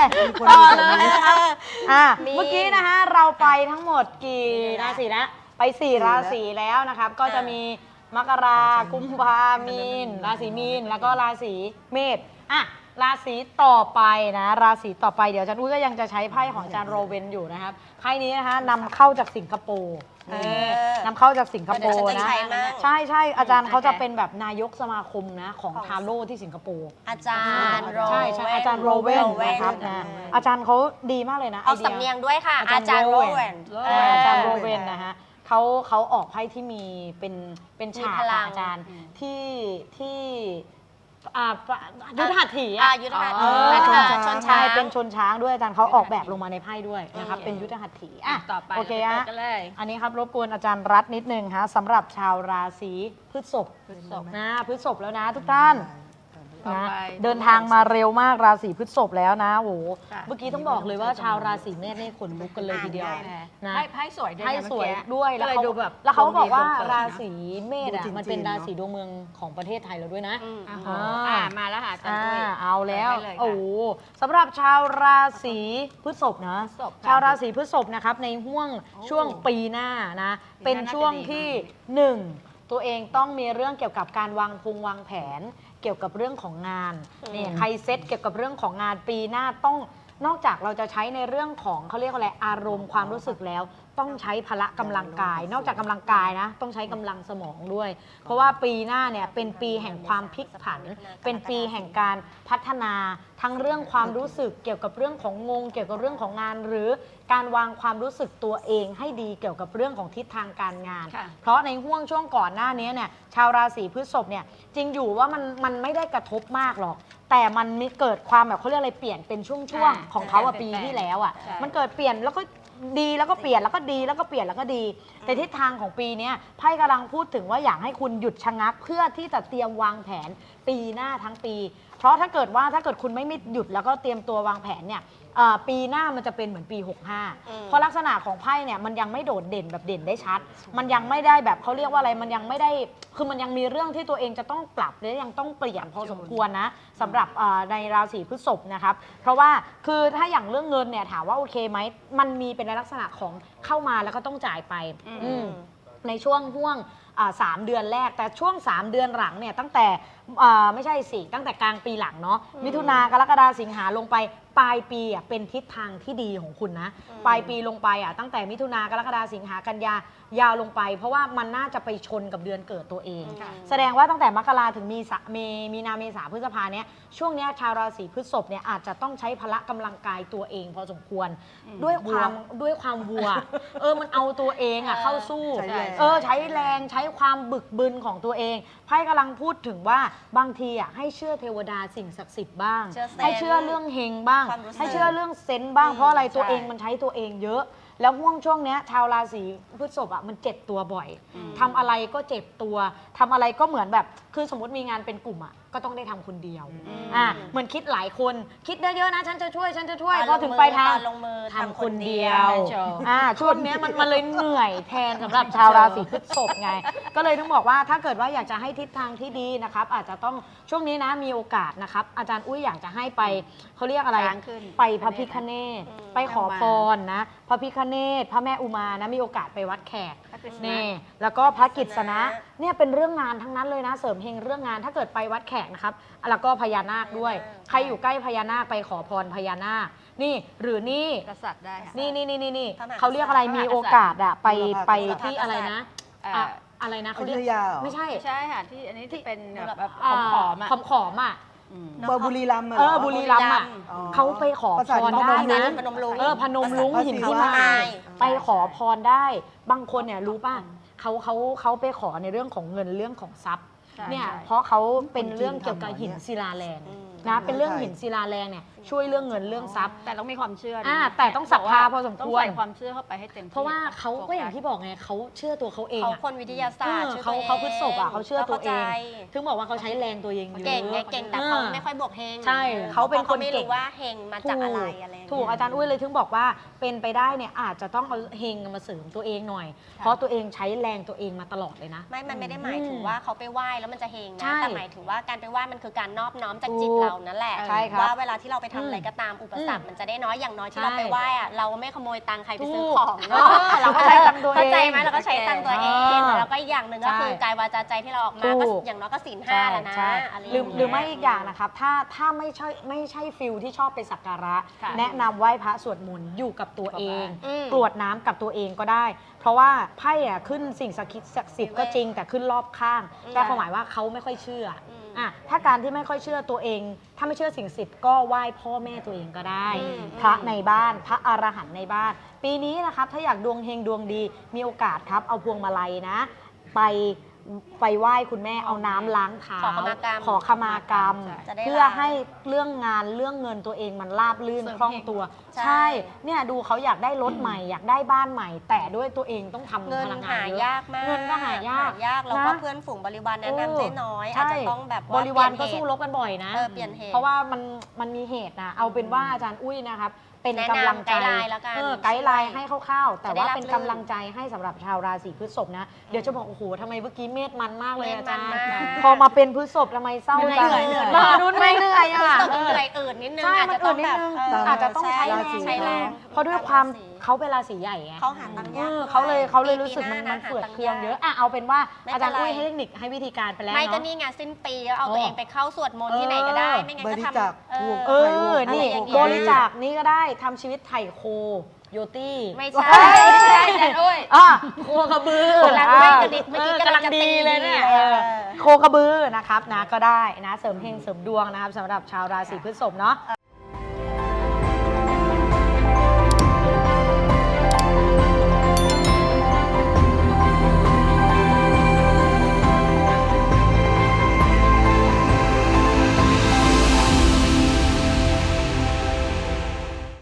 ต่อเลยเมื่อกี้นะคะเราไปทั้งหมดกี่ราศีนะไป4ราศีแล้วนะครับก็จะมีมกรากุมภามีนราศีมีนแล้วก็ราศีเมษราศีต่อไปนะราศีต่อไปเดี๋ยวอาจารย์อุ้ยก็ยังจะใช้ไพ่ของอาจารย์โรเวนอยู่นะครับไพ่นี้นะคะนำเข้าจากสิงคโปร์นำเข้าจากสิงคโปร์นะใช่ใช่อาจารย์เขาจะเป็นแบบนายกสมาคมนะของทาโร่ที่สิงคโปร์อาจารย์โรเวนใช่ใช่อาจารย์โรเวนนะครับอาจารย์เขาดีมากเลยนะเอาสำเนียงด้วยค่ะอาจารย์โรเวนอาจารย์โรเวนนะฮะเขาออกไพ่ที่มีเป็นฉากอาจารย์ที่ยุทธหัตถียุทธหัตถีชนช้างเป็นชนช้างด้วยอาจารย์เขาออกแบบลงมาในไพ่ด้วยนะครับเป็นยุทธหัตถีต่อไปโอเคฮะอันนี้ครับรบกวนอาจารย์รัตนิดนึงฮะสำหรับชาวราศีพฤษภนะพฤษภแล้วนะทุกท่านนะเดินทางมาเร็วมากราศีพฤษภแล้วนะโหเมื่อกี้ต้องบอกเลยว่าชาวราศีเมษนี่ขนลุกกันเลยทีเดียวนะไพ่สวยด้วยไพ่สวยด้วยแล้วเขาบอกว่าราศีเมษมันเป็นราศีดวงเมืองของประเทศไทยเราด้วยนะมาแล้วค่ะเอาแล้วโอ้สำหรับชาวราศีพฤษภนะชาวราศีพฤษภนะครับในห่วงช่วงปีหน้านะเป็นช่วงที่1ตัวเองต้องมีเรื่องเกี่ยวกับการวางแผนเกี่ยวกับเรื่องของงานนี่ใครเซตเกี่ยวกับเรื่องของงานปีหน้าต้องนอกจากเราจะใช้ในเรื่องของเขาเรียกอะไรอารมณ์ความรู้สึกแล้วต้องใช้พละกำลังกายนอกจากกำลังกายนะต้องใช้กำลังสมองด้วยเพราะว่าปีหน้าเนี่ยเป็นปีแห่งความพลิกผันเป็นปีแห่งการพัฒนาทั้งเรื่องความรู้สึกเกี่ยวกับเรื่องของเกี่ยวกับเรื่องของงานหรือการวางความรู้สึกตัวเองให้ดีเกี่ยวกับเรื่องของทิศทางการงานเพราะในห่วงช่วงก่อนหน้านี้เนี่ยชาวราศีพฤษภเนี่ยจริงอยู่ว่ามันไม่ได้กระทบมากหรอกแต่มันมีเกิดความแบบเขาเรียกอะไรเปลี่ยนเป็นช่วงของเขาปีที่แล้วมันเกิดเปลี่ยนแล้วก็ดีแล้วก็เปลี่ยนแล้วก็ดีแล้วก็เปลี่ยนแล้วก็ดีแต่ทิศทางของปีนี้ไพ่กำลังพูดถึงว่าอยากให้คุณหยุดชะงักเพื่อที่จะเตรียมวางแผนปีหน้าทั้งปีเพราะถ้าเกิดคุณไม่หยุดแล้วก็เตรียมตัววางแผนเนี่ยปีหน้ามันจะเป็นเหมือนปี65เพราะลักษณะของไพ่เนี่ยมันยังไม่โดดเด่นแบบเด่นได้ชัดมันยังไม่ได้แบบเขาเรียกว่าอะไรมันยังไม่ได้คือมันยังมีเรื่องที่ตัวเองจะต้องปรับและยังต้องเปลี่ยนพอสมควรนะสำหรับในราศีพฤษภนะครับเพราะว่าคือถ้าอย่างเรื่องเงินเนี่ยถามว่าโอเคไหมมันมีเป็นในลักษณะของเข้ามาแล้วก็ต้องจ่ายไปในช่วงห่วง3 เดือนแรกแต่ช่วง3 เดือนหลังเนี่ยตั้งแต่ไม่ใช่สิตั้งแต่กลางปีหลังเนาะมิถุนากรกฎาสิงหาลงไปปลายปีเป็นทิศทางที่ดีของคุณนะปลายปีลงไปตั้งแต่มิถุนากรกฎาสิงหากันยายาวลงไปเพราะว่ามันน่าจะไปชนกับเดือนเกิดตัวเองแสดงว่าตั้งแต่มกราถึงมีนาเมษาพฤษภาเนี่ยช่วงนี้ชาวราศีพฤษภเนี่ยอาจจะต้องใช้พละกำลังกายตัวเองพอสมควรด้วยความวัวมันเอาตัวเองเข้าสู้ใช้แรงใช้ความบึกบึนของตัวเองไพ่กำลังพูดถึงว่าบางทีให้เชื่อเทวดาสิ่งศักดิ์สิทธิ์บ้างให้เชื่อเรื่องเฮงบ้างให้เชื่อเรื่องเซนต์บ้างเพราะอะไรตัวเองมันใช้ตัวเองเยอะแล้วห่วงช่วงนี้ชาวราศีพฤษภมันเจ็บตัวบ่อยทำอะไรก็เจ็บตัวทำอะไรก็เหมือนแบบคือสมมติมีงานเป็นกลุ่มก็ต้องได้ทำคนเดียวเหมือนคิดหลายคนคิดได้เยอะนะฉันจะช่วยพอถึงไปทางทำคนเดียวช่วงนี้มันเลยเหนื่อยแทนสำหรับชาวราศีพฤษภไงก็เลยต้องบอกว่าถ้าเกิดว่าอยากจะให้ทิศทางที่ดีนะครับอาจจะต้องช่วงนี้นะมีโอกาสนะครับอาจารย์อุ้ยอยากจะให้ไปเขาเรียกอะไรไปพระพิฆเนศไปขอพรนะพระพิฆเนศพระแม่อุมานะมีโอกาสไปวัดแขกนี่แล้วก็พระกิษณะเนี่ยเป็นเรื่องงานทั้งนั้นเลยนะเสริมเฮงเรื่องงานถ้าเกิดไปวัดแขกนะครับแล้วก็พญานาคด้วยใครอยู่ใกล้พญานาคไปขอพรพญานาคนี่หรือนี่กษัตริย์ได้นี่เขาเรียกอะไรมีโอกาสไปที่อะไรนะอะไรนะเขาเรียกไม่ใช่ค่ะที่อันนี้ที่เป็นแบบขอมบุรีรัมย์บุรีรัมย์เขาไปขอพรได้นะพนมรุ้งหินที่มาไปขอพรได้บางคนเนี่ยรู้ป่ะเขาไปขอในเรื่องของเงินเรื่องของทรัพย์เนี่ยเพราะเขาเป็นเรื่องเกี่ยวกับหินศิลาแรงนะเป็นเรื่องหินศิลาแรงเนี่ยช่วยเรื่องเงินเรื่องทรัพย์แต่ต้องมีความเชื่อแต่ต้องศรัทธาพอสมควรต้องใส่ความเชื่อเข้าไปให้เต็มที่เพราะว่าเขาก็อย่างที่บอกไงเขาเชื่อตัวเขาเองเขาคนวิทยาศาสตร์เขาพฤษภเขาเชื่อตัวเองถึงบอกว่าเขาใช้แรงตัวเองเยอะเก่งแต่เขาไม่ค่อยบวกเฮงใช่เขาเป็นคนไม่รู้ว่าเฮงมาจากอะไรถูกอาจารย์อุ้ยเลยถึงบอกว่าเป็นไปได้เนี่ยอาจจะต้องเอาเฮงมาเสริมตัวเองหน่อยเพราะตัวเองใช้แรงตัวเองมาตลอดเลยนะมันไม่ได้หมายถึงว่าเขาไปไหว้แล้วมันจะเฮงนะแต่หมายถึงว่าการไปไหว้มันคือการนอบน้อมจากจิตเราเรานั่นแหละใช่ครับว่าเวลาที่เราไปทำอะไรก็ตามอุปสรรคมันจะได้น้อยอย่างน้อยที่เราไปไหว้อะเราไม่ขโมยตังค์ใครไปซื้อของเนาะเราก็ใช้ตังค์ตัวเองเข้าใจไหมเราก็ใช้ตังค์ตัวเองอ่าแล้วก็อีกอย่างหนึ่งก็คือกายวาจาใจที่เราออกมาก็ถูกอย่างน้อยก็ศีลใช่ 5แล้วนะใช่อะไรย่างหรือเงี้ยหรือไม่อีกอย่างนะครับถ้าไม่ใช่ฟิลที่ชอบไปสักการะค่ะแนะนำไหว้พระสวดมนต์อยู่กับตัวเองอืมกรวดน้ำกับตัวเองก็ได้ เพราะว่าไพ่อะขึ้นสิ่งศักดิ์สิทธิ์ก็จริงแต่ขึ้นรอบข้างก็ความหมายว่าเขาไม่ค่อยเชื่ออ่ะถ้าการที่ไม่ค่อยเชื่อตัวเอง ถ้าไม่เชื่อสิ่งศักดิ์สิทธิ์ก็ไหว้พ่อแม่ตัวเองก็ได้ พระในบ้านพระอรหันต์ในบ้าน ปีนี้นะครับถ้าอยากดวงเฮงดวงดีมีโอกาสครับเอาพวงมาลัยนะ ไปไหว้คุณแม่เอาน้ำล้างเท้าขอขมากรรมขอขมากรรมจะได้เพื่อให้เรื่องงานเรื่องเงินตัวเองมันราบลื่นเสริมคล่องเฮงตัวใช่ใช่เนี่ยดูเขาอยากได้รถใหม่ อยากได้บ้านใหม่ แต่ด้วยตัวเองต้องทำเงินพลังงาหานเยอะยากมากเงินก็หายากแล้วก็นะเพื่อนฝูงบริวารแนะนำได้น้อยใช่อาจจะต้องแบบบว่าริวารเปก็ลี่ยนสู้เหตุรบกันบ่อยนะเปลี่ยนเหตุเพราะว่ามันมีเหตุนะเอาเป็นว่าอาจารย์อุ้ยนะครับเป็นแนะกำนำลังใจไกด์ไลน์แล้วกันไกด์ไลน์ให้คร่าวๆแต่ว่าจะได้รับเป็นกำลังใจให้สำหรับชาวราศีพฤษภนะเดี๋ยวจะบอกโอ้โหทำไมเมื่อกี้เมธมันมากเลยอาจารย์เมธมันมากพอมาเป็นพฤษภทำไมเศร้าจังเหนื่อยรุ่นไม่เหนื่อยอ่ะตกเหนื่อยอื่นนิดนึงใช่อาจมันจะต้อื่อน งนิดแบบนึงอาจจะต้องใช้แรงใช้แรงเพราะด้วยความเขาเป็นราศีใหญ่ไงเขาหาตังค์ยากเขาเลยรู้สึกปีมันหาเฟื่อหาตังเครื่องากเยอะอ่ะเอาเป็นว่าไม่อาจารย์เป็นไรอุ้ยให้เทคนิคให้วิธีการไปแล้วไม่ก็เนาะนี่ไงสิ้นปีแล้วเอาตัวเองไปเข้าสวดมนต์ที่ไหนก็ได้ ไม่งั้นก็บริทำจาคถูกเออ นี่อะไรอย่างเงี้ยบริจาคนี้ก็ได้ทำชีวิตไถ่โคโยตี้ไม่ใช่ไม่ใช่อาจารย์อุ้ยอ่ะโคกระบือกำลังไม่กระดิกเมื่อกี้กำลังจะตีดีเลยเนี่ยดีเลยโคกระบือนะครับนะก็ได้นะเสริมเฮงเสริมดวงนะครับสำหรับชาวราศีพฤษภเนาะ